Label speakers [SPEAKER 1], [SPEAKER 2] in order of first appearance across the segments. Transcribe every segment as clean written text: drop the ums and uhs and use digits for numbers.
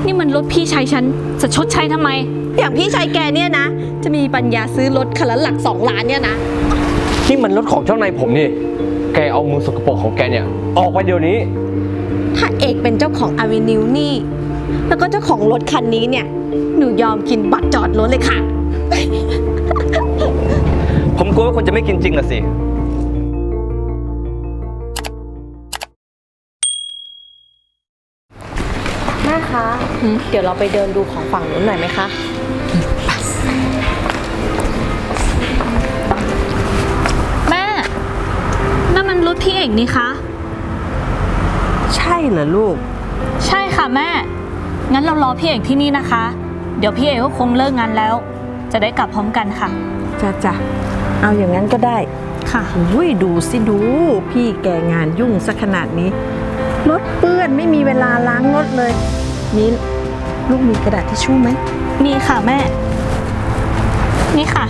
[SPEAKER 1] นี่มันรถพี่ชายฉันจะชดใช้ทำไม
[SPEAKER 2] อย่างพี่ชายแกเนี่ยนะจะมีปัญญาซื้อรถคันละหลัก2 ล้านเนี่ยนะ
[SPEAKER 3] นี่มันรถของเจ้านายผมนี่แกเอามือสกปรกของแกเนี่ยออกไปเดี๋ยวนี้
[SPEAKER 2] ถ้าเอกเป็นเจ้าของอเวนิวนี่แล้วก็เจ้าของรถคันนี้เนี่ยหนูยอมกินบัตรจอดรถเลยค่ะ
[SPEAKER 3] ผมกลัวว่าคนจะไม่กินจริงละสิ
[SPEAKER 2] แม่คะเดี๋ยวเราไปเดินดูของฝั่งนู้นหน่อยไหมคะ
[SPEAKER 1] แม่นั่นมันรถพี่เอกนี่คะ
[SPEAKER 4] ใช่เหรอลูก
[SPEAKER 1] ใช่ค่ะแม่งั้นเรารอพี่เอกที่นี่นะคะเดี๋ยวพี่เอกก็คงเลิกงานแล้วจะได้กลับพร้อมกันค่ะ
[SPEAKER 4] จ้ะเอาอย่างนั้นก็ได้
[SPEAKER 1] ค่ะ
[SPEAKER 4] อุ้ยดูสิดูพี่แกงานยุ่งซะขนาดนี้รถเปื้อนไม่มีเวลาล้างรถเลยมิ้นลูกมีกระดาษทิชชู่ไหม
[SPEAKER 1] มีค่ะแม่นี่ค่ะ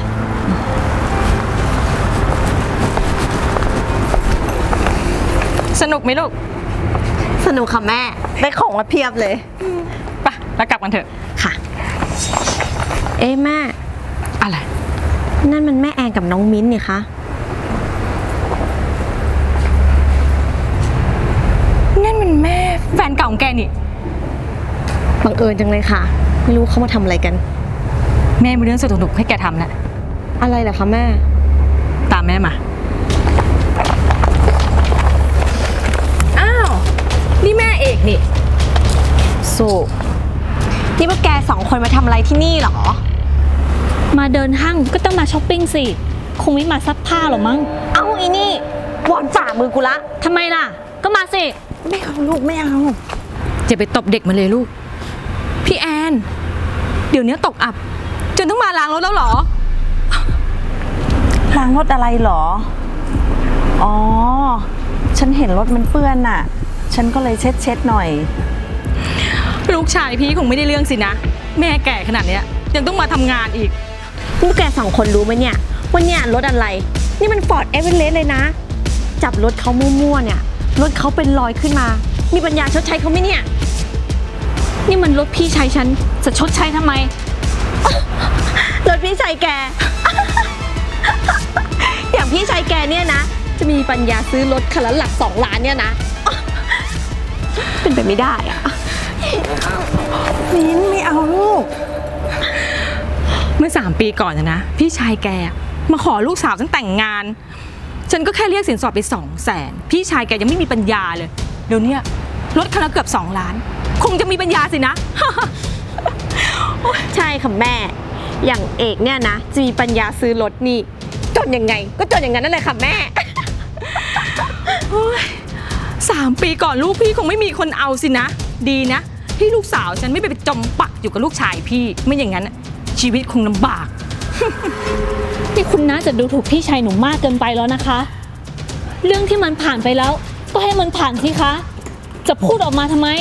[SPEAKER 1] สนุกไหมลูก
[SPEAKER 2] สนุกค่ะแม่ได้ของมาเพียบเลย
[SPEAKER 1] ไปแล้วกลับกันเถอะ
[SPEAKER 2] ค่ะแม่
[SPEAKER 1] อะไร
[SPEAKER 2] นั่นมันแม่แอนกับน้องมิ้นนี่คะ
[SPEAKER 1] นั่นมันแม่แฟนเก่าของแกนี่
[SPEAKER 2] บังเอิญจังเลยค่ะไม่รู้เขามาทำอะไรกัน
[SPEAKER 1] แม่มีเรื่องสนุกๆให้แกทำแหละ
[SPEAKER 2] อะไรเหรอคะแม่
[SPEAKER 1] ตามแม่มาอ้าวนี่แม่เอกนี่
[SPEAKER 2] สุนี่พวกแก2 คนมาทำอะไรที่นี่หรอ
[SPEAKER 1] มาเดินห้างก็ต้องมาช้อปปิ้งสิคงไม่มาซักผ้าหรอมั้ง
[SPEAKER 2] เอาอีนี่วอนฝ่ามือกูละ
[SPEAKER 1] ทำไมล่ะก็มาสิ
[SPEAKER 4] ไม่เอาลูกไม่เอา
[SPEAKER 1] จะไปตบเด็กมาเลยลูกพี่แอนเดี๋ยวนี้ตกอับจนต้องมาล้างรถแล้วเหรอ
[SPEAKER 4] ล้างรถอะไรเหรออ๋อฉันเห็นรถมันเปื้อนน่ะฉันก็เลยเช็ดหน่อย
[SPEAKER 1] ลูกชายพี่คงไม่ได้เรื่องสินะแม่แก่ขนาดเนี้ยยังต้องมาทำงานอีก
[SPEAKER 2] พวกแก2 คนรู้ไหมเนี่ยว่าเนี่ยรถอะไรนี่มันฟอร์ดเอเวอเรสต์เลยนะจับรถเขามั่วๆเนี่ยรถเขาเป็นรอยขึ้นมามีปัญญาชดใช้เขาไหมเนี่ย
[SPEAKER 1] นี่มันรถพี่ชายฉันจะชดใช้ทำไม
[SPEAKER 2] รถพี่ชายแก อย่างพี่ชายแกเนี่ยนะจะมีปัญญาซื้อรถคันละหลัก2 ล้านเนี่ยนะเป็นไปไม่ได้อะ
[SPEAKER 4] มิ้นไม่เอาลูก
[SPEAKER 1] เมื่อ3 ปีก่อนนะพี่ชายแกมาขอลูกสาวฉันแต่งงานฉันก็แค่เรียกสินสอดไป200,000พี่ชายแกยังไม่มีปัญญาเลยเดี๋ยวนี้รถคันละเกือบ2 ล้านคงจะมีปัญญาสินะ
[SPEAKER 2] ใช่ค่ะแม่อย่างเอกเนี่ยนะจะมีปัญญาซื้อรถนี่จนยังไงก็จนอย่างนั้นนั่นแหละค่ะแม่
[SPEAKER 1] 3 ปีก่อนลูกพี่คงไม่มีคนเอาสินะดีนะที่ลูกสาวฉันไม่ไปจมปักอยู่กับลูกชายพี่ไม่อย่างนั้นชีวิตคงลำบาก นี่คุณน่าจะดูถูกพี่ชายหนูมากเกินไปแล้วนะคะเรื่องที่มันผ่านไปแล้วก็ให้มันผ่านสิคะจะพูดออกมาทำไม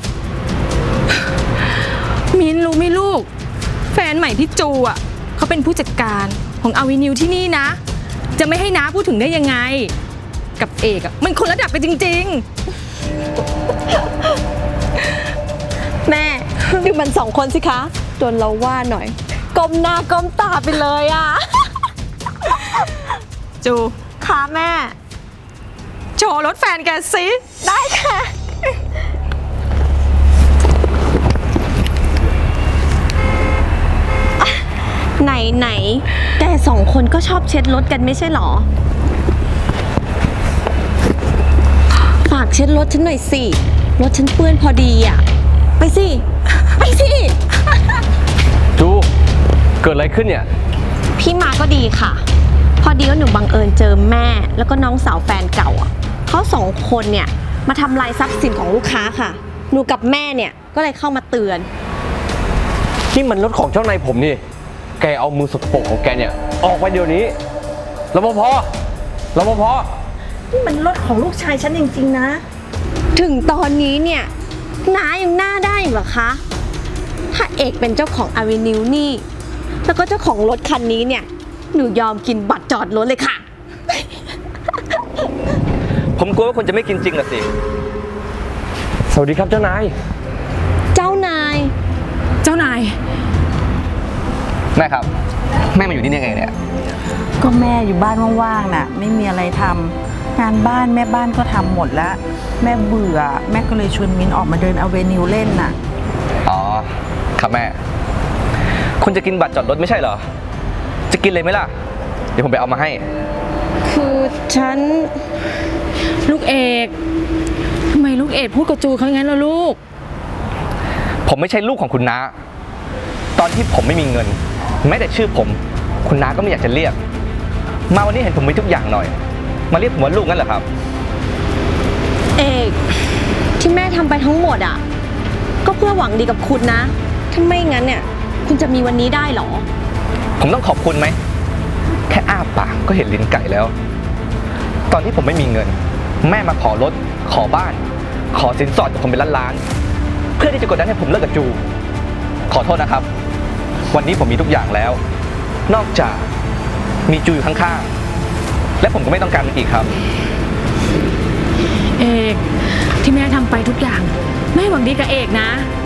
[SPEAKER 1] มินรู้ไหมลูกแฟนใหม่พี่จูอ่ะเขาเป็นผู้จัดการของอเวนิวที่นี่นะจะไม่ให้น้าพูดถึงได้ยังไงกับเอกอ่ะมันคนระดับไปจริง
[SPEAKER 2] ๆแม่ดูมัน2 คนสิคะโดนเราว่าหน่อยก้มหน้าก้มตาไปเลยอ่ะ
[SPEAKER 1] จู
[SPEAKER 2] ค่ะแม่
[SPEAKER 1] โชว์รถแฟนแกสิ
[SPEAKER 2] ได้ค่ะไหนแต่2 คนก็ชอบเช็ดรถกันไม่ใช่หรอฝากเช็ดรถฉันหน่อยสิรถฉันเปื้อนพอดีอ่ะไปสิ
[SPEAKER 3] จูเกิดอะไรขึ้นเนี่ย
[SPEAKER 2] พี่มาก็ดีค่ะพอดีว่าหนูบังเอิญเจอแม่แล้วก็น้องสาวแฟนเก่าอ่ะเขา2 คนเนี่ยมาทำลายทรัพย์สินของลูกค้าค่ะหนูกับแม่เนี่ยก็เลยเข้ามาเตือน
[SPEAKER 3] นี่มันรถของเจ้านายผมนี่แกเอามือสกปรกของแกเนี่ยออกไปเดี๋ยวนี้รปภ
[SPEAKER 4] นี่มันรถของลูกชายฉันจริงๆนะ
[SPEAKER 2] ถึงตอนนี้เนี่ยน้ายังหน้าได้เหรอคะถ้าเอกเป็นเจ้าของอเวนิวนี่แล้วก็เจ้าของรถคันนี้เนี่ยหนูยอมกินบัตรจอดรถเลยค่ะ
[SPEAKER 3] ผมกลัวว่าคนจะไม่กินจริงละสิสวัสดีครับเจ้านายแม่ครับ แม่มาอยู่ที่นี่ยังไงเนี่ย
[SPEAKER 4] ก็แม่อยู่บ้านว่างๆน่ะ ไม่มีอะไรทำงานบ้านแม่บ้านก็ทำหมดแล้ว แม่เบื่อ แม่ก็เลยชวนมิ้นออกมาเดินอเวนิวเล่นน่ะ
[SPEAKER 3] อ๋อ ครับแม่ คุณจะกินบัตรจอดรถไม่ใช่เหรอ จะกินเลยไหมล่ะ เดี๋ยวผมไปเอามาให้
[SPEAKER 2] คือฉัน
[SPEAKER 1] ลูกเอกทำไมลูกเอกพูดกับจูเขาอย่างนั้นล่ะลูก
[SPEAKER 3] ผมไม่ใช่ลูกของคุณน้า ตอนที่ผมไม่มีเงิน แม้แต่ชื่อผม คุณน้าก็ไม่อยากจะเรียก มาวันนี้เห็นผมมีทุกอย่างหน่อย มาเรียกผมว่าลูกงั้นเหรอครับ
[SPEAKER 2] เอกที่แม่ทำไปทั้งหมดอ่ะ ก็เพื่อหวังดีกับคุณนะ ถ้าไม่งั้นเนี่ย คุณจะมีวันนี้ได้เหรอ
[SPEAKER 3] ผมต้องขอบคุณไหม แค่อ้าปากก็เห็นลิ้นไก่แล้ว ตอนที่ผมไม่มีเงิน แม่มาขอรถ ขอบ้าน ขอสินสอดจากผมเป็นล้านๆ เพื่อที่จะกดดันให้ผมเลิกกับจู ขอโทษนะครับ วันนี้ผมมีทุกอย่างแล้ว นอกจากมีจูอยู่ข้างๆ และผมก็ไม่ต้องการมันอีกครับ
[SPEAKER 1] เอกที่แม่ทำไปทุกอย่างแม่หวังดีกับเอกนะ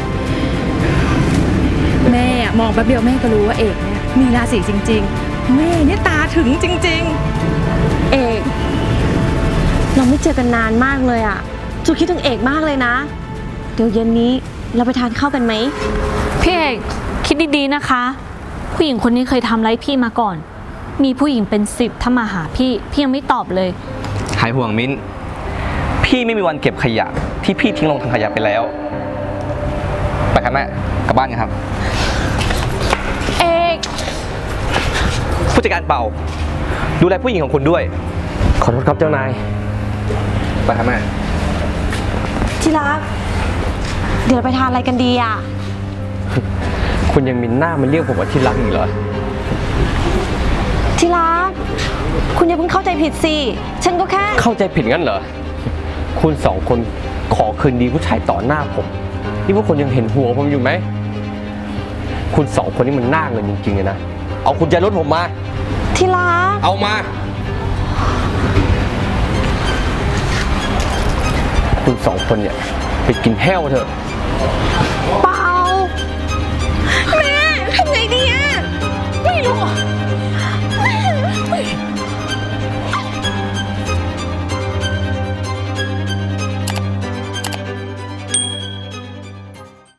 [SPEAKER 1] แม่มองแป๊บเดียวแม่ก็รู้ว่าเอกเนี่ยมีราศีจริง ๆ แม่เนี่ยตาถึงจริง
[SPEAKER 2] เอกเราไม่เจอกันนานมากเลยอ่ะจูคิดถึงเอกมากเลยนะ เดี๋ยวเย็นนี้เราไปทานข้าวกันไหม
[SPEAKER 5] พี่เอกคิดดีๆนะคะ ผู้หญิงคนนี้เคยทำร้ายพี่มาก่อน มีผู้หญิงเป็น10ถ้ามาหาพี่ยังไม่ตอบเลย
[SPEAKER 3] หายห่วงมิ้น พี่ไม่มีวันเก็บขยะที่พี่ทิ้งลงถังขยะไปแล้ว ไปครับแม่ กลับบ้านกันครับ
[SPEAKER 2] เอก
[SPEAKER 3] ผู้จัดการเป่า ดูแลผู้หญิงของคุณด้วย ขอโทษครับเจ้านาย ไปครับแม่
[SPEAKER 2] ที่รัก เดี๋ยวเราไปทานอะไรกันดีอ่ะ
[SPEAKER 3] คุณยังมีหน้ามาเรียกผมว่าที่รักอีกเหรอ
[SPEAKER 2] ที่รัก คุณอย่าเพิ่งเข้าใจผิดสิ ฉันก็แค่
[SPEAKER 3] เข้าใจผิดงั้นเหรอ คุณสองคนขอคืนดีผู้ชายต่อหน้าผม นี่พวกคนยังเห็นหัวผมอยู่ไหม คุณสองคนนี่มันหน้าเงินจริงๆเลยนะ เอาคุณใจรถผมมา
[SPEAKER 2] ที่รัก
[SPEAKER 3] เอามา คุณสองคนเนี่ยไปกินแห้วเถอะ
[SPEAKER 2] ไป